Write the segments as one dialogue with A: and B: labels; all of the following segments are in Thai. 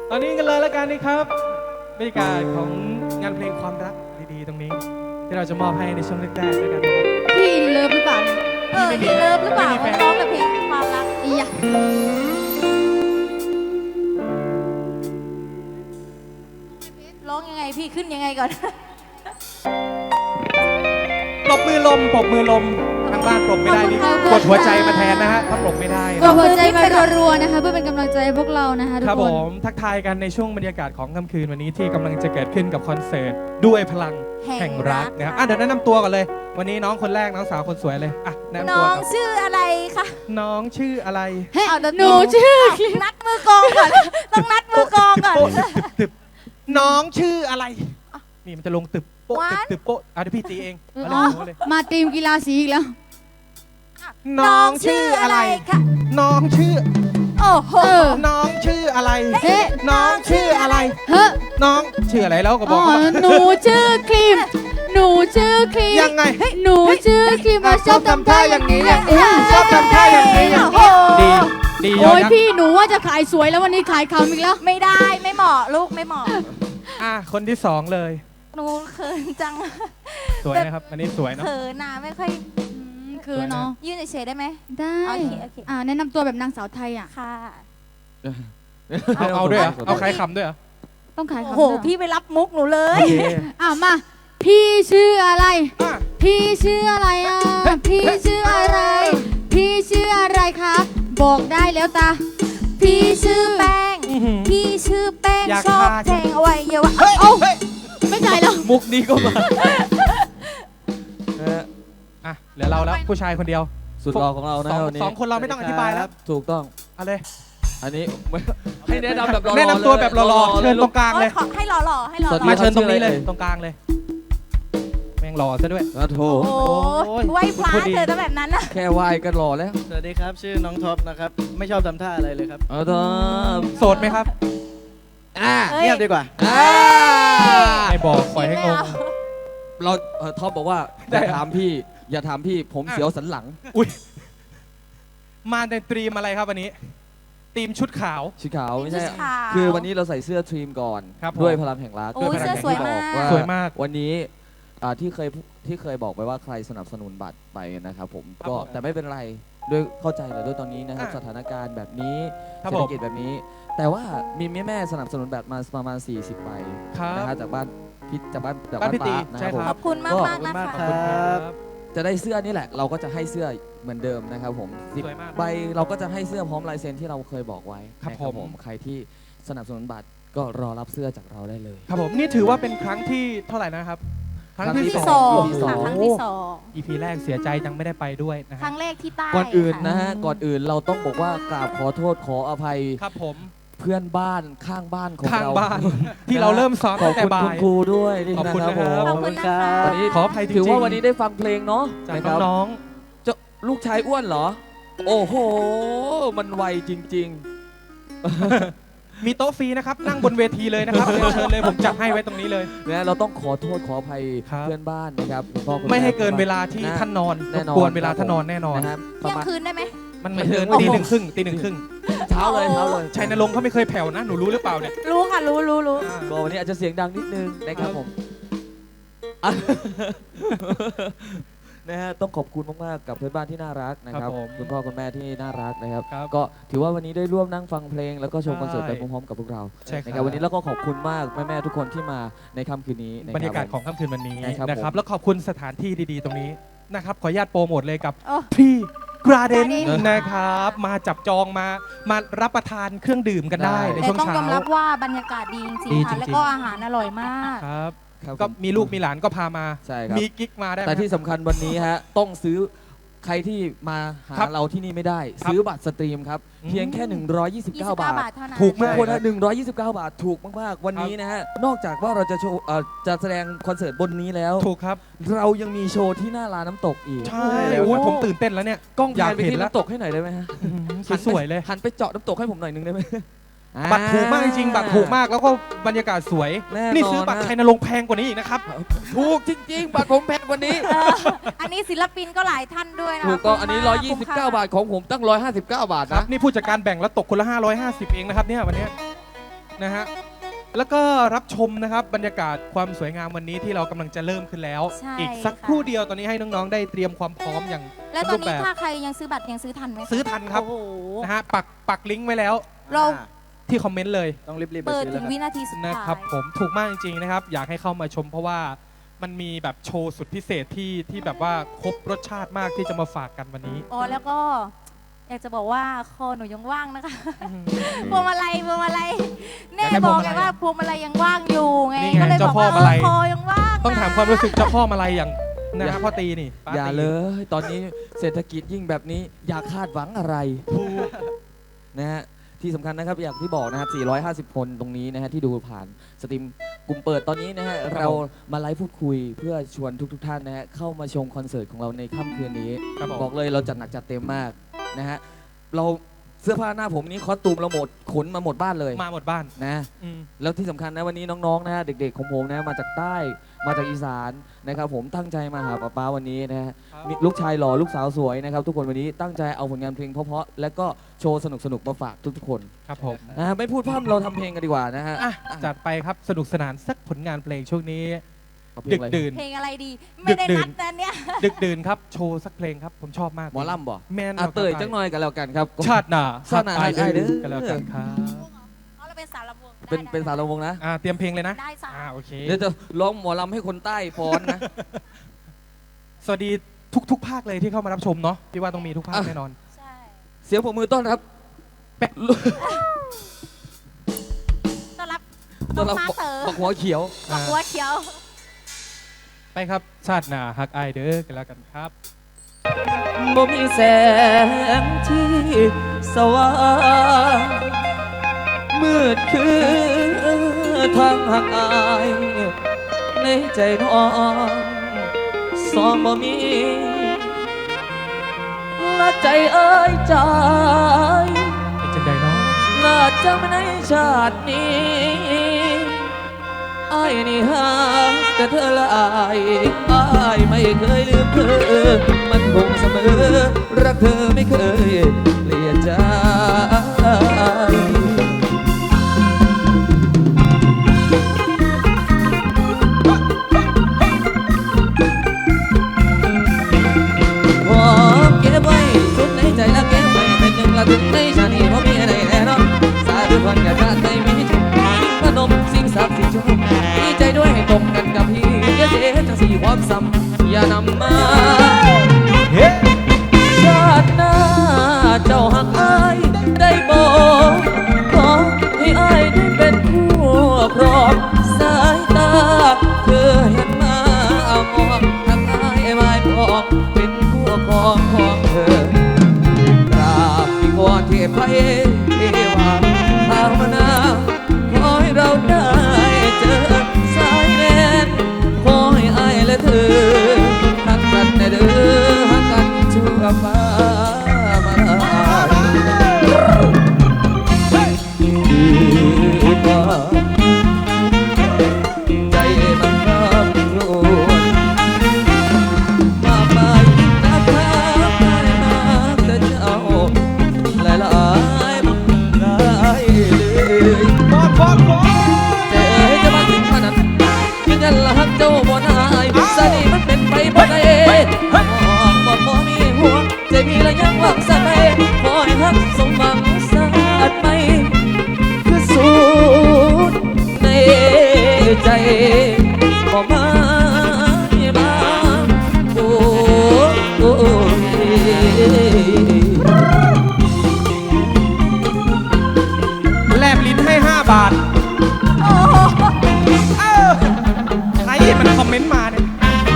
A: ตอนนี้กันเลยแล้วกันนะครับบรรยากาศของงานเพลงความรักดีๆตรงนี้ที่เราจะมอบให้ในช่วงแรกๆด้วยกันนะครับ
B: พี่เลิฟหรือเปล่าเนี่ย
C: พี่เลิฟหรือเปล่าว่าร้องแต่เพลงความรัก
B: อียะ
C: ร้องยังไงพี่ขึ้นยังไงก่อน
A: ปรบมือลมปรบมือลมทางบ้านปรบไม่ได้นี่กดหัวใจมาแทนนะฮะถ้าปรบไม่ได้
B: กดหัวใจมารัวๆนะคะเพื่อเป็นกำลังใจให้พวกเรานะคะทุก
A: ครับ
B: ค
A: ผ
B: น
A: มทักทายกันในช่วงบรรยากาศของค่ำคืนวันนี้ที่กำลังจะเกิดขึ้นกับคอนเสิร์ตด้วยพลังแห่งรักนะครับเดี๋ยวแนะนำตัวก่อนเลย วันนี้น้องคนแรกน้องสาวคนสวยเลยอ่ะแนะนำ
C: น้
A: ตัว
C: อง
A: ก่อน
C: ชื่ออะไรคะ
A: น้องชื่ออะไร
B: เฮ้ย
C: เอาเดี๋ยว
B: หนูชื่อ
C: นัดมือกองก่อน ต้องนัดมือกองก่อน
A: โป๊ะตึบน้องชื่ออะไรนี่มันจะลงตึบโป๊ะตึบตึบโป๊ะเดี๋ยวพี่ตีเองมาเลยเอาเลย
B: มาทีมกีฬาสีอีกแล้ว
A: น้องชื่ออะไร
C: คะ
A: น้องชื่อ
C: โอ้โห
A: น้องชื่ออะไร
B: เฮ้
A: น้องชื่ออะไร
B: เฮ้ย
A: น้องชื่ออะไรแล้วก็บ
B: อ๋
A: อ
B: อก
A: เขาว่า
B: หนูชื่อครีมหนูชื่อครีม
A: ยังไง
B: หนูชื่อครีมมาชอบทำท่าอย่างนี้อย่างนี้
A: ชอบทำท่าอย่างนี้อย่างนี้ดีดียอ
B: โอ้
A: ด
B: ย
A: นะ
B: พี่หนูว่าจะขายสวยแล้ววันนี้ขายคำอีกแล้ว
C: ไม่ได้ไม่เหมาะลูกไม่เหมาะ
A: คนที่สองเลย
C: หนูเขินจัง
A: สวยนะครับอันนี้สวยเนาะ
C: เขินนะไม่ค่อย
B: คือเนาะ
C: ยืนเฉยๆได้ไหม
B: ได้
C: โอเคโอเค
B: แนะนำตัวแบบนางสาวไทยอ่ะ
C: ค่ะ
A: เอาด้วยเหรอเอาใครขำด้วยเหรอ
B: ต้องขาย
C: โอ้
B: คำ
C: โห
B: ด้วยเหรอ
C: พี่ไปรับมุกหนูเล
A: โอย เค
B: มาพี่ชื่ออะไร
A: อ่ะ
B: พี่ชื่ออะไรอ่ะ พี่ชื่ออะไร พี่ชื่ออะไรครับ บอกได้แล้วตา
C: พี่ชื่อแป้ง
A: อื้อหือ
C: พี่ชื่อแป้ง
A: อยาก
C: ชอบ
A: ฆ่า
C: แทงอวัยวะ
A: เฮ้ย
B: เอ้า
A: เฮ้ย
B: ไม่ใช่แล้ว
A: มุกนี้ก็มาอ่ะเหลือเราแล้วผู้ชายคนเดียว
D: สุดหล่อของเรานะวันนี้
A: สองคนเราไม่ต้องอธิบายแล้ว
D: ถูกต้อง
A: เอาเลย
D: อันนี้ ให้แนะนำแบบหล่อๆ
A: แนะนำตัวแบบหล่อๆ
D: ลย
A: เชิญตรงกลาง
C: โอ้
A: เลย ย
C: ขอให้หล่อๆให้หล่อ
D: สวัสดี
A: มา
C: ๆ
A: เชิญตรงนี้เลย
D: ชื่ออะไร
A: ตรงกลางเลยแม่งหล่อซะด้วย
D: อ่ะโถ
C: โอ้โห
A: โอ้ย
C: ไหว้พระ
A: พูดดี
C: เธอต้องแบบนั้นนะ
D: แค่ไหวก็หล่อแล้ว
E: สวัสดีครับ ชื่อน้องท็อปนะครับ ไม่ชอบทำท่าอะไรเลยครับ
D: เอาเถอะ
A: โสดไหมครับ
C: เอ้ย
E: เงียบดีกว่า
A: ไม่บอกปล่อยให้งง
D: เราท็อปบอกว่าอ
A: ได้
D: ย่าถามพี่ อย่าถามพี่ผมเสียวสันหลัง
A: อุ้ยมาในตรีมอะไรครับวันนี้ทีมชุดขาว
D: ชิขาวไม่ใช่
C: ชุดขาว
D: คือวันนี้เราใส่เสื้อทีมก่อน
A: ครับผม
D: ด้วยพลังแห่งรัก
C: โอ้ย
D: ด้วยพลัง
C: เสื้อ
D: แห่ง
C: สวย
D: ที่
C: มาก
D: บอกว่า
A: สวยมาก
D: วันนี้ที่เคยบอกไปว่าใครสนับสนุนบัตรไปนะครับผม
A: ครับ
D: ก็
A: ผม
D: แต่ไม่เป็นไรด้วยเข้าใจเลยด้วยตอนนี้นะครับ
A: อ่ะ
D: สถานการณ์แบบนี้
A: ครับ
D: เศรษ
A: ผ
D: ฐ
A: ม
D: กิจแบบนี้ แต่ว่ามีแม่สนับสนุนแบบมาประมาณ 40ใบ
A: ครับ
D: นะฮะจากบ้านพี่จากบ้าน
A: บ้านพี่ตี
D: ป้นะ
A: ใช่
D: ครับผม
A: ค
C: ข
A: รั
C: อบคุณมาก
D: ก็
C: มากๆนะ
E: ขอบ
C: คะ
E: คุณมากครับ
D: จะได้เสื้อนี่แหละ เราก็จะให้เสื้อเหมือนเดิมนะครับผม
A: สวยมาก
D: 10ใบเราก็จะให้เสื้อพร้อมลายเซ็นที่เราเคยบอกไว้
A: ครับ
D: นะ
A: ผม
D: ใครที่สนับสนุนบัตรก็รอรับเสื้อจากเราได้เลย
A: ครับผมนี่ถือว่าเป็นครั้งที่เท่าไหร่นะครับ ครั้งที่
D: ครั้งที่
A: สอง
D: EP
C: ค่ะครั้งที่สอง
A: EP แรกเสียใจจังไม่ได้ไปด้วยนะ
C: ค
A: ฮะ
C: รั้งแรกที่ใต้
D: ก่อนอื่น
C: ค่ะ
D: นะฮะก่อนอื่นเราต้องบอกว่ากราบขอโทษขออภัย
A: ครับผม
D: เพื่อนบ้านข้างบ้านของ
A: ข้าง
D: เรา
A: บ้าน ที่เราเริ่มซ้อม
D: ขอ
A: ตั้
D: บ
A: งแต่
D: คุณ
A: บ่า
D: คุณ
A: ย
D: ครูด้วยนี่
A: ขอบคุณ
D: นะ
A: นะครับ
C: ขอบคุณนะคะ
D: วันนี้
A: ขออภัยจริงๆ
D: ถือว่าวันนี้ได้ฟังเพลงเนาะ
A: จาก
D: นะครับ
A: น้อง
D: เจ้าลูกชายอ้วนเหรอ โอ้โห มันไวจริง
A: ๆมีโต๊ะฟรีนะครับ นั่งบนเวทีเลยนะครับเรียนเชิญเลยผมจัดให้ไว้ตรงนี้เลย
D: ๆนะเราต้องขอโทษขออภัย
A: ครับ
D: เพื่อนบ้านนะครับคุณพ่อคุณ
A: ไม่ให้
D: แ
A: เกินเวลาที่
D: ะ
A: ท่านนอน
D: แน่นอน
A: รบกวนเวลาท่านนอนแน่นอน
D: นะครับประ
C: เที่ยง
D: มาณ
C: คืนได้ไหม
A: มันเกิน
D: โอ้โห
A: ตีหนึ่งครึ่งตีหนึ่งครึ่ง
D: เช้าเลยเช้าเลย
A: ชัยนรงค์เขาไม่เคยแผ่วนะหนูรู้หรือเปล่าเนี่ย
C: รู้ค่ะรู้
D: ก็วันนี้อาจจะเสียงดังนิดนึงนะครับผมอ่ะ นะฮะต้องขอบคุณมากๆกับเพื่อนบ้านที่น่ารักนะครับคุณพ่อคุณแม่ที่น่ารักนะครับ
A: ครับ
D: ก็ถือว่าวันนี้ได้ร่วมนั่งฟังเพลงแล้วก็ชม
A: ใช่
D: คอนเสิร์ตไปพร้อมๆกับพวกเรา
A: ใช่ค
D: นะค
A: รั
D: รั
A: บบ
D: วันนี้เราก็ขอบคุณมากแม่ๆทุกคนที่มาในค่ำคืนนี้นะค
A: บรรยากาศของค่ำคืนวันนี้
D: นะครับ
A: นะครับ
D: ผม
A: แล้วขอบคุณสถานที่ดีๆ ตรงนี้นะครับขออนุญาตโปรโมทเลยกับ
C: โอ้
A: พี่กราเดน
C: Garden
A: นะครับมาจับจองมารับประทานเครื่องดื่มกันได้ใน
C: แต่
A: ช่วง
C: ต้อง
A: เช้าย
C: อมรับว่าบรรยากาศดีจริง
A: ดี
C: ๆ
A: จริ
C: ค่ะ
A: งๆ
C: แล้วก็อาหารอร่อยมาก
A: ครับ
D: ครับ
A: ก็
D: ผม
A: มีลูกมีหลานก็พามา
D: ใช่ครับ
A: มีกิ๊กมาได้ไหม
D: แต่ที่สำคัญวันนี้ฮะต้องซื้อใครที่มาหา
A: ครับ
D: เราที่นี่ไม่ได้
A: ครับ
D: ซื้อบัตรสตรีมครับ
A: อืม
D: เพียงแค่ 129 บา
C: บา
D: ท
C: ทเท่านั้น
A: ถูก
D: ทุ
A: มาก
D: กคนนะ129 บาทถูกมากๆ วันนี้นะฮะนอกจากว่าเราจะโชว์จะแสดงคอนเสิร์ตบนนี้แล้ว
A: ถูกครับ
D: เรายังมีโชว์ที่หน้าลานน้ำตกอีก
A: ใช่โอ้ยผมตื่นเต้นแล้วเนี่ย
D: กล้อง
A: อยาก
D: แพนไป
A: เห็น
D: ที่
A: แล้ว
D: น้ำตกให้หน่อยได้ไหมฮะ
A: สวยๆเลย
D: หันไปเจาะน้ำตกให้ผมหน่อยนึงได้ไหม
A: บัตรถูกมากจริงๆบัตรถูกมากแล้วก็บรรยากาศสวย
D: แน่นอน
A: นี่ซื้อบัตร
D: นะ
A: ชัยนรงค์แพงกว่านี้อีกนะครับ
D: ถูกจริง ๆ บัตรผมแพงกว่านี้
C: อันนี้ศิลปินก็หลายท่านด้วยนะ
D: ถูกต้องอันนี้
C: คุ้ม
D: 129
C: ค่
D: บาทของผมตั้ง 159 บาท
A: ครับ
D: นะ
A: นี่ผู้จัดการแบ่งแล้วตกคนละ550เองนะครับเนี่ยวันเนี้ยนะฮะแล้วก็รับชมนะครับบรรยากาศความสวยงามวันนี้ที่เรากำลังจะเริ่มขึ้นแล้ว
C: ใช่
A: อีกสัก
C: ค่ะ
A: ครู่เดียวตอนนี้ให้น้องๆได้เตรียมความพร้อมอย่าง
C: แล้วตอน
A: รูป
C: นี้
A: แบบ
C: ถ้าใครยังซื้อบัตรยังซื้อทันไหมคะ
A: ซื้อทันครับ
C: โอ้โห
A: นะฮะปักลิงก์ไว้แล้ว
C: เรา
A: ที่คอมเมนต์เลย
E: ต้องรีบๆไป
C: เปิด
E: ซื้อ
C: ถึ
E: แล้ว
C: ง
E: ครับ
C: วินาทีสุด
A: นะ
C: ท้าย
A: ครับผมถูกมากจริงๆนะครับอยากให้เข้ามาชมเพราะว่ามันมีแบบโชว์สุดพิเศษที่แบบว่าครบรสชาติมากที่จะมาฝากกันวันนี้
C: อ๋อแล้วก็อยากจะบอกว่าคอหนูยังว่างนะคะพวงมาลัยแน่
A: อยากได้
C: บอก
A: พวงมาลั
C: ไง
A: ย
C: ว่าพวงมาลัยยังว่างอยู่ไง
A: นี่ไง
C: ก็เลย
A: เจ้า
C: บอก
A: พ่อ
C: ว่า
A: มาลัย
C: คอยังว่าง
A: ต้องถามความรู้สึกเจ้าพ่อมาลัยอย่างนะฮะพ่อตีนี่ป้
D: อย่า
A: ตี
D: เลยตอนนี้เศรษฐกิจยิ่งแบบนี้อย่าคาดหวังอะไร
A: ถูก
D: นะฮะที่สำคัญนะครับอย่างที่บอกนะครับ450 คนตรงนี้นะฮะที่ดูผ่านสตรีมกลุ่มเปิดตอนนี้นะฮะเรามาไลฟ์พูดคุยเพื่อชวนทุกท่านนะฮะเข้ามาชมคอนเสิร์ตของเราในค่ำคืนนี้
A: ครับผม
D: บอกเลยเราจัดหนักจัดเต็มมากนะฮะเราเสื้อผ้าหน้าผมนี้คอสตูมเราหมดขนมาหมดบ้านเลย
A: มาหมดบ้าน
D: นะ
A: อืม
D: แล้วที่สำคัญนะวันนี้น้องๆนะฮะเด็กๆของผมนะมาจากใต้มาจากอีสานนะครับผมตั้งใจมาหาป๊าวันนี้นะฮะ
A: ครับ
D: มีลูกชายหล่อลูกสาวสวยนะครับทุกคนวันนี้ตั้งใจเอาผลงานเพลงเพราะๆและก็โชว์สนุกๆมาฝากทุกๆคน
A: ครับผม
D: นะฮะไม่พูดพร่ำเราทำเพลงกันดีกว่านะฮะ
A: อ่ะจัดไปครับสนุกสนานสักผลงานเพลงช่วงนี้
D: เอาเพล
A: ดึ
D: ง
A: ก
D: อะไร
A: ดื่น
C: เพลงอะไรดี ไม่ได้
A: ดึกดื่
C: นั
A: น
C: ดนะเนี่ย
A: ดึกดื่นครับโชว์สักเพลงครับผมชอบมาก
D: หมอลำบ่
A: แมน
D: อ่ะเตยจังหน่อยกันแล้วกันครับ
A: ชาติหน้า
D: ชาติหน้า
A: ฮัก
D: ฮักอ้ายเด้อ
A: กันแล้วกันครับ
C: เอาเราเป็นสาวลำวง
D: เป็นสาวลำวงนะ
A: เตรียมเพลงเลยนะ
C: ได้สาว
A: โอเค
D: เดี๋ยวจะร้องหมอลำให้คนใต้ฟ้อนนะ
A: สวัสดีทุกภาคเลยที่เข้ามารับชมเนาะพี่ว่าต้องมีทุกภาค
D: อ่ะ
A: แน่นอน
C: ใช่
D: เสียงปรบมือต้อนรับ
C: ต้อนรับ
D: ต้
C: น้
D: อ
C: อน ง
D: รับ
C: มาเต๋อ
D: บักหัวเขียว
C: บอกหัวเขียว
A: ไปครับชาติหน้าฮักอายเด้อกันแล้วกันครับ
D: บ่มีแสงที่สว่างมืดคือทางหักอายในใจน้องสองบ่มีละใจเอ้ยใจ
A: เป็นจังใดเนาะ
D: ละจำในชาตินี้ไอ้ายนี่หากแต่เธอละอายอ้ายไม่เคยลืมเธอมันคงเสมอรักเธอไม่เคยเปลี่ยนใจขอเก็บไว้สุดในใจและเก็บไว้เป็นหนึ่งละถึงในชาตินี้เพราะมีอะไรแน่นอนสาธุพันกับชาติไม่มีจบพนมสิ่งศักดิ์สิทธิ์ชมดีใจด้วยให้ตรงกันกับพี่อย่าเสียจังสี่ความซ้ำอย่านำมา ชาติหน้าเจ้าหักอายได้บอกขอให้อายได้เป็นผู้ครองสายตาเธอเห็นมามองหักอายไม่พอเป็นผู้ครองของเธอกราบที่วอนเทพไทยเทวาภาวนาขอให้เราได้เจอสายแดนขอให้อายและเธอหักกันแน่เด้อหักกันชั่วฟ้ามาดีกว่าใจมันรับรู้มากมายนะครับไม่มากแต่เจ้าหลายหลายหลายเลยเจ๊จะมาถึงขนาดยืนยันละหักเจ้าบ่นายสนิมันเป็นไปบ่ได้บ่พอมีหัวใจพี่ละยังหวังสันไปขอให้หักสมหวังสักไปคือสุดในใจบ่มาบ้างโอ้
A: แลบลิ้นให้ 5 บาท
C: โอ้โห
A: ใครมันคอมเมนต์มาเนี่ย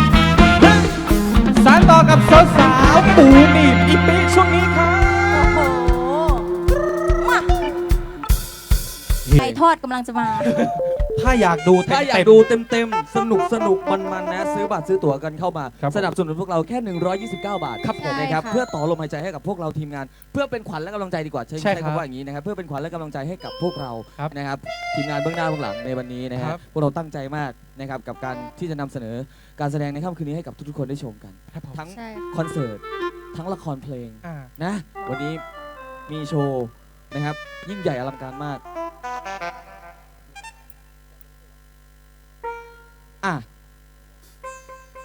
A: สารต่อกับสาวๆปูหนีบอีปีช่วงนี้ครับ
C: โอ้โหมาไก่ทอดกำลังจะมา
A: ถ้าอยากดูเต็ม
D: ถ้าอยากดูเต็มๆ สนุกมันนะซื้อบัตรซื้อตั๋วกันเข้ามา
A: ครับผม
D: สนับสนุนพวกเราแค่ 129 บาทครับผม
C: ใช่
D: นะครับ
C: ค่ะ
D: เพื่อต่อลมหายใจให้กับพวกเราทีมงาน เพื่อเป็นขวัญและกำลังใจดีกว่าใช้
A: ใช่ครับ
D: คำว่าอย่างนี้นะครับเพื่อเป็นขวัญและกำลังใจให้กับพวกเรา
A: ครับ
D: นะครับทีมงานเบื้องหน้าเบื้องหลังในวันนี้นะค
A: ค
D: รั
A: รั
D: บบ พวกเราตั้งใจมากนะครับกับการที่จะนำเสนอการแสดงในค่ำคืนนี้ให้กับทุกๆคนได้ชมกัน
A: ครับผม
D: ทั้ง
C: ใช่
D: คอนเสิร์ตทั้งละครเพลง
A: อ่า
D: นะวันนี้มีโชว์นะครับยิ่งใหญ่อลังการมาก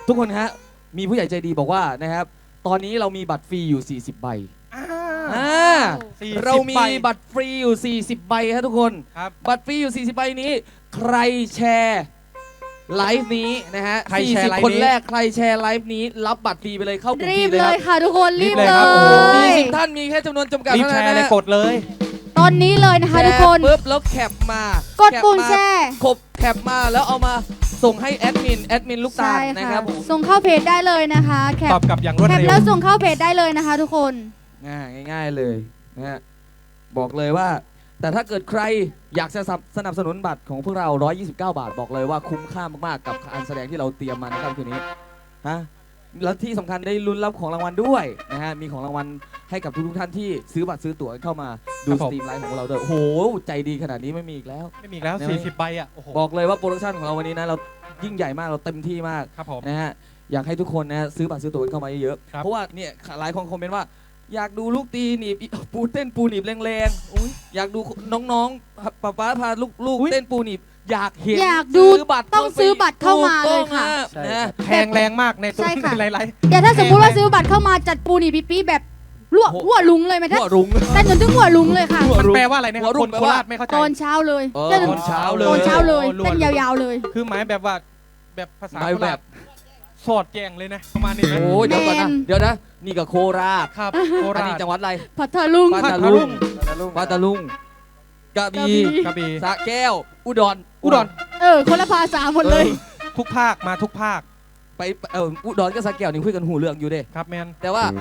D: ทุกคนฮะมีผู้ใหญ่ใจดีบอกว่านะครับตอนนี้เรามีบัตรฟรีอยู่ 40 ใบ
A: อ่า 40
D: เรามี
A: ใบ
D: บัตรฟรีอยู่ 40 ใบครับทุกคน
A: ครับ
D: บัตรฟรีอยู่ 40 ใบนี้ ใครแชร์ไลฟ์นี้นะฮะ
A: ใครแชร์ไลฟ์นี้
D: 40 คนแรกใครแชร์ไลฟ์นี้รับบัตรฟรีไปเลยเข้ากลุ่ม
B: รี
D: ฟรี
B: บ
D: เลย
B: เล
D: ครั
B: ย
D: บ
B: ค่ะทุกคนรีบ
A: รีบ
B: เล
A: เลยครับโอ้โห
B: ย
D: 40 ท่านมีแค่จำนวนจำกัด
A: รีบ
D: เท่า
A: แช
D: นั้น
A: ร์เลย
D: นะ
A: กดเลย
B: ตอนนี้เลยนะคะทุกคน
D: ปุ๊บแล้วแคปมาก
B: ดปุ่มแชร์
D: แคปมาแล้วเอามาส่งให้แอดมินลูกตา
B: ใช่
D: ลนะ
B: ค่ะ
D: ครับผม
B: ส่งเข้าเพจได้เลยนะคะแคป
A: ตอบกลับอย่างรวด
B: แคป
A: เร็ว
B: แล้วส่งเข้าเพจได้เลยนะคะทุกคน
D: ง่ายๆเลยนะฮะบอกเลยว่า แต่ถ้าเกิดใครอยากจะสนับสนุนบัตรของพวกเรา 129 บาท บอกเลยว่าคุ้มค่ามากๆกับการแสดงที่เราเตรียมมาในค่ำคืนนี้ฮะแล้วที่สำคัญได้ลุ้นรับของรางวัลด้วยนะฮะมีของรางวัลให้กับทุกๆท่านที่ซื้อบัตรซื้อตั๋วเข้ามาดู
A: ครับ
D: ส
A: ผม
D: ตรีมไลฟ์ของเราด้วยโอ้โหใจดีขนาดนี้ไม่มีอีกแล้ว
A: ไม่มีอีกแล้ว
D: ได้ไหม
A: 40 ใบอ่ะ โอ้โห
D: บอกเลยว่าโปรดักชันของเราวันนี้นะเรายิ่งใหญ่มากเราเต็มที่มาก
A: ครับผม
D: นะฮะอยากให้ทุกคนนะซื้อบัตรซื้อตั๋วเข้ามาเยอะๆ
A: ครับ
D: เพราะว่าเนี่ยหลายคนคอมเมนต์ว่า อยากดูลูกตีหนีบปูเต้นปูหนีบแรงๆอุ๊ยอยากดูน้องๆป๊าพาลูกเต้นปูหนีบอยากเห็น
B: อยากดู
D: ซื้อบัตร
B: ต้องซื้อบัตรเข้ามาเลยค่ะ
D: ถูกต้องฮ
E: ใช่
D: นะ
A: แพงแรงมากในตัว
B: ใช่ค่ะ
A: ในไลฟ์
B: เดี๋ยวถ้าสมมุติว่าซื้อบัตรเข้ามาจัดปูนี่ปี๊แบบรั่วหัวลุงเลยไหมท่าน
D: หัวรุ้ง
B: แต่จนถึงหัวลุงเลยค่ะ
D: หัว
A: มัน
D: รุ้ง
A: แปลว่าอะไรนะค
D: หั
A: รั
D: ว
A: บ
D: รุ่
A: ค
D: ง
A: น
D: แปล
A: โค
D: ว่า
A: ราชไม่เข้าใจ
B: ตอนเช้าเลย
D: เออ
B: เต้น
D: ตอนเช้าเลย
B: ตอนเช้าเลย
A: โอ้
B: เต้นยาวๆเลย
A: คือหมายแบบว่า แบบภาษา
D: หมาย
A: โค
D: แบ
A: ราช
D: บ
A: สอดแจงเลยนะ ประมาณนี้ไหม
D: โอ้ยเดี๋ยวก่อนนะ
B: แมน
D: เดี๋ยวนะนี่ก็โคราช
A: ครับโค
D: อัน
A: รา
D: นี้
A: ช
D: จังหวัดอะไร
B: พัทลุง
D: พั
A: พั
D: ท
A: ท
D: ลุ
A: ลุ
D: ง
A: ง
D: ปัตตาลุงกระบี่
A: กระบี่
D: สระแก้ว อุดร
A: อุดร
B: คนละภาษาหมดเลย
A: ทุกภาคมาทุกภาค
D: ไปอุดรกับสระแก้วนี่คุยกันหูเรื่องอยู่เด้
A: ครับแมน
D: แต่ว่า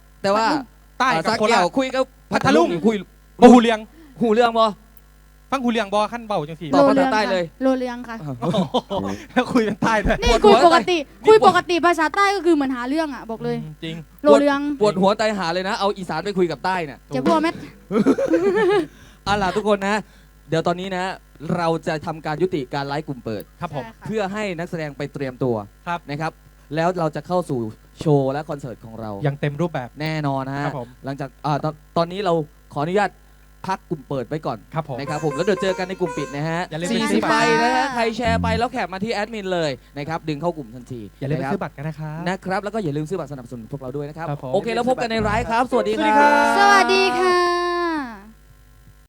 A: ใต้กับ
D: สระ
A: โค
D: แก้
A: ราว ช
D: คุยกับ
A: พัทลุง
D: นี่คุย
A: บ่หูเลียง
D: หูเรื่องบ่
A: ฟังหูเลียงบอขั้นเบาจังสี
D: ตอบภาษาใต้เลย
B: โลเลียงค่ะ
A: โอ้โหแล้วคุยเป็นใต้ด้วย
B: นี่
D: ปวดหั
B: คุยว ปกติ
D: นี่
B: คุย
D: ปวด
B: ปกติภาษาใต้ก็คือเหมือนหาเรื่องอ่ะบอกเลย
A: จริง
B: โลเลียง
D: ปวดหัวใจหาเลยนะ เอาอีสานไปคุยกับใต้เนี่ย
B: จะพัวแม่
D: เอาล่ะทุกคนนะ เดี๋ยวตอนนี้นะ เราจะทำการยุติการไลฟ์กลุ่มเปิด
A: ครับผม
D: เพื่อให้นักแสดงไปเตรียมตัว
A: ครับ
D: นะครับ แล้วเราจะเข้าสู่โชว์และคอนเสิร์ตของเรา
A: ยังเต็มรูปแบบ
D: แน่นอนนะฮะ
A: ครับผม
D: หลังจากตอนนี้เราขออนุญาตพักกลุ่มเปิดไว้ก่อน
A: ครับผม
D: นะครับผมแล้วเดี๋ยวเจอกันในกลุ่มปิดนะฮะ
A: อย่าลืมไปซื้อ
D: 40
A: บัตร
D: ใบนะฮะใครแชร์ไปแล้วแคปมาที่แอดมินเลยนะครับดึงเข้ากลุ่มทันที
A: อย่าลืมไป
D: นะครับ
A: ซื้อบัตรกันนะครับ
D: นะครับแล้วก็อย่าลืมซื้อบัตรสนับสนุนพวกเราด้วยนะครับ
A: ครับผม
D: โอเคแล้วพบกันในไลฟ์ครับ สวัสดี
A: สวัสดีครับ
B: สวัสดีค่ะ